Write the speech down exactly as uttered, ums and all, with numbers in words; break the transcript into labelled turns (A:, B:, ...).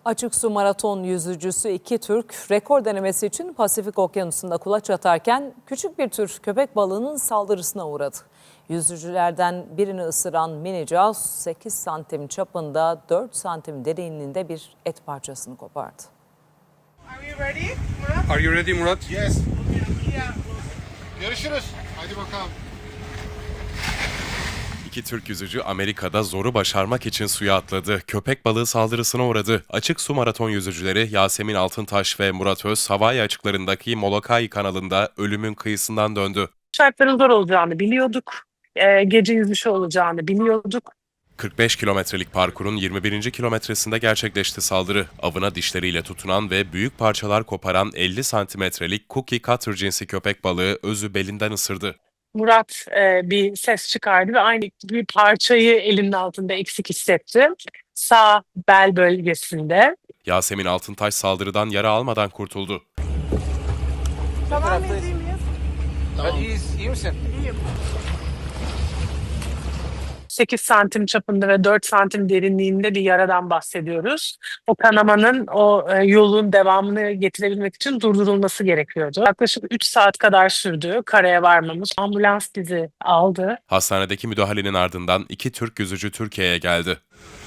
A: Açık su maraton yüzücüsü iki Türk rekor denemesi için Pasifik Okyanusu'nda kulaç atarken küçük bir tür köpek balığının saldırısına uğradı. Yüzücülerden birini ısıran mini caws sekiz santim çapında dört santim derinliğinde bir et parçasını kopardı.
B: Are you ready, Murat?
C: Are you ready, Murat?
D: Yes.
B: Yeah.
D: Görüşürüz. Hadi bakalım.
E: İki Türk yüzücü Amerika'da zoru başarmak için suya atladı. Köpek balığı saldırısına uğradı. Açık su maraton yüzücüleri Yasemin Altıntaş ve Murat Öz, Hawaii açıklarındaki Molokai kanalında ölümün kıyısından döndü.
F: Şartların zor olacağını biliyorduk. Ee, gece yüzüşü olacağını biliyorduk.
E: kırk beş kilometrelik parkurun yirmi birinci kilometresinde gerçekleşti saldırı. Avına dişleriyle tutunan ve büyük parçalar koparan elli santimetrelik cookie cutter cinsi köpek balığı Öz'ü belinden ısırdı.
F: Murat e, bir ses çıkardı ve aynı bir parçayı elinin altında eksik hissetti. Sağ bel bölgesinde.
E: Yasemin Altıntaş saldırıdan yara almadan kurtuldu.
B: Tamam mıyız, iyi miyiz?
C: Tamam. İyi, iyi misin?
B: İyiyim.
F: sekiz santim çapında ve dört santim derinliğinde bir yaradan bahsediyoruz. O kanamanın, o e, yolun devamını getirebilmek için durdurulması gerekiyordu. Yaklaşık üç saat kadar sürdü karaya varmamız. Ambulans bizi aldı.
E: Hastanedeki müdahalenin ardından iki Türk yüzücü Türkiye'ye geldi.